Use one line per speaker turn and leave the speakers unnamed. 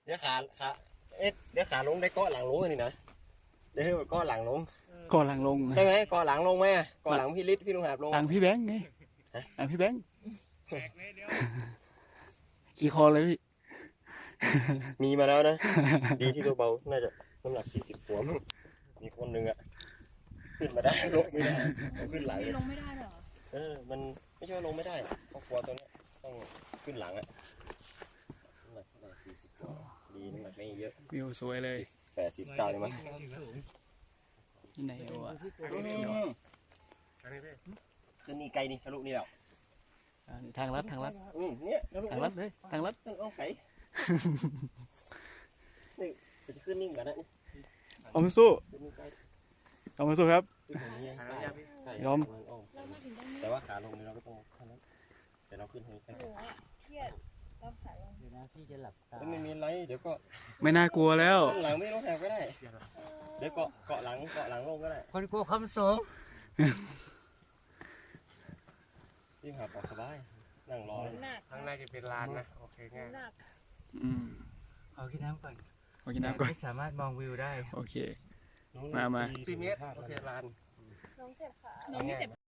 เดี๋ยวขาเดี๋ยวขาลงได้เกาะหลังลงนี่นะเดี๋ยวเกาะหลังลง
ก่อนหลังลง
ใช่ไหมเกาะหลังลงไหมเกาะหลังพี่ฤทธิ์พี่ลุงหาบลง
หลังพี่แบงค์ไงหลังพี่แบงค์ขี่คอเลยพี่
มีมาแล้วนะ ดีที่ตัวเบาน่าจะน้ำหนัก40 หัวมั้งมีคนหนึ่งอะขึ้นมาได้ลงไม่ได้ขึ้นหลัง
ลงไม่ได้เหรอ
มันไม่ใช่ว่าลงไม่ได้ครอบครัวตัวเนี้ยต้องขึ้นหลังอะน้ำหนักเท่าไหร่40 หัวดีน้ำหนักไม่เยอะ
วิวสวยเลย
89เลยมั้ง
ที่ไหนวะ
ขึ้นนี่ไกลนี่ทะลุนี่แล้ว
ทางลัด
เนี่ยทะลุ
ทางลัดเลยทางลัด
ต้องเอาไขนี่จะขึ้นนิ่งกันนะ
เอามาสู้
ขึ้นนี่ไกล
เอามาสู้ครับ
ขึ้นตรงนี้ใกล้
ยอม
เรามาถึงตรงนี้
แต่ว่าขาลงนี่เราก็ต้องเท่านั้นแต่เราขึ้นทางนี้ไป
โอ้โหเครียดเราขาลง
เดี๋ยวนะพี่จะหลับตา
ไม่มีอะไรเดี๋ยวก็
ไม่น่ากลัวแล้ว
หลังไม่ลงแหกก็ได้เดี๋ยวเกาะหลังลงก็ได้
คนกลัวความสูง
ยิ่งหาปอกสบายนั่งรอ
หนัก
ข้างในจะเป็นลานนะ โอเคง่าย
หนัก
อืม
ขอกินน้ำก่อน
ขอกินน้ำก่อน
ไม่สามารถมองวิวได้
โอเค มา
4 เมตร โอเคลาน
น้องเจ็บขาน้องไม่เจ็บ